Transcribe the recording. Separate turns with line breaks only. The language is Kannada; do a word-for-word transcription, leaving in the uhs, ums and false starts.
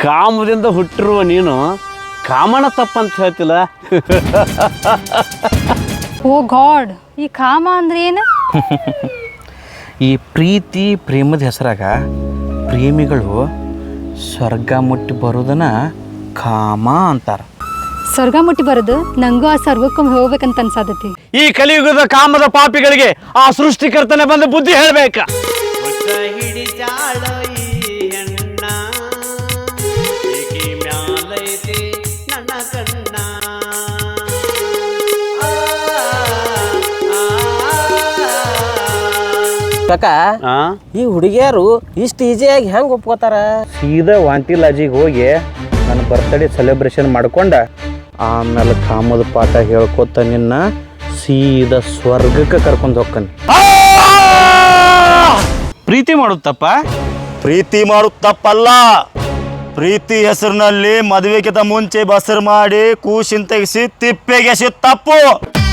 ಕಾಮದಿಂದ ಹುಟ್ಟಿರುವ ನೀನು ಕಾಮನ ತಪ್ಪಂತ ಹೇಳ್ತಿಲ್ಲ.
ಓ ಗಾಡ್, ಈ ಕಾಮ ಅಂದ್ರೆ ಏನು?
ಈ ಪ್ರೀತಿ ಪ್ರೇಮದ ಹೆಸರಾಗ ಪ್ರೇಮಿಗಳು ಸ್ವರ್ಗ ಮುಟ್ಟಿ ಬರೋದನ್ನ ಕಾಮ ಅಂತಾರ.
ಸ್ವರ್ಗ ಮುಟ್ಟಿ ಬರೋದು ನಂಗೂ ಆ ಸ್ವರ್ಗಕ್ಕೊಮ್ಮೆ ಹೋಗ್ಬೇಕಂತ ಅನ್ಸಾದತಿ.
ಈ ಕಲಿಯುಗದ ಕಾಮದ ಪಾಪಿಗಳಿಗೆ ಆ ಸೃಷ್ಟಿಕರ್ತನೆ ಬಂದು ಬುದ್ಧಿ ಹೇಳ್ಬೇಕ.
ಕಾಕ, ಈ ಹುಡುಗಿಯರು ಇಷ್ಟು ಈಸಿಯಾಗಿ ಹೆಂಗೆ ಒಪ್ಕೋತಾರ?
ಸೀದಾ ವಾಂತಿ ಲಾಜಿಗೆ ಹೋಗಿ ನನ್ನ ಬರ್ತ್ಡೇ ಸೆಲೆಬ್ರೇಷನ್ ಮಾಡ್ಕೊಂಡ ಆಮೇಲೆ ಕಾಮದ ಪಾಠ ಹೇಳ್ಕೊತ ನಿನ್ನ ಸೀದಾ ಸ್ವರ್ಗಕ್ಕೆ ಕರ್ಕೊಂಡು ಹೋಗ್ತಾನೆ. ಪ್ರೀತಿ ಮಾಡುತ್ತಪ್ಪ.
ಪ್ರೀತಿ ಮಾಡೋದು ತಪ್ಪಲ್ಲ. ಪ್ರೀತಿ ಹೆಸರಿನಲ್ಲಿ ಮದುವೆಗಿಂತ ಮುಂಚೆ ಬಸರು ಮಾಡಿ ಕೂಸಿನ ತೆಗೆಸಿ ತಿಪ್ಪೆಗೆ ಎಸೆಯೋದು ತಪ್ಪು.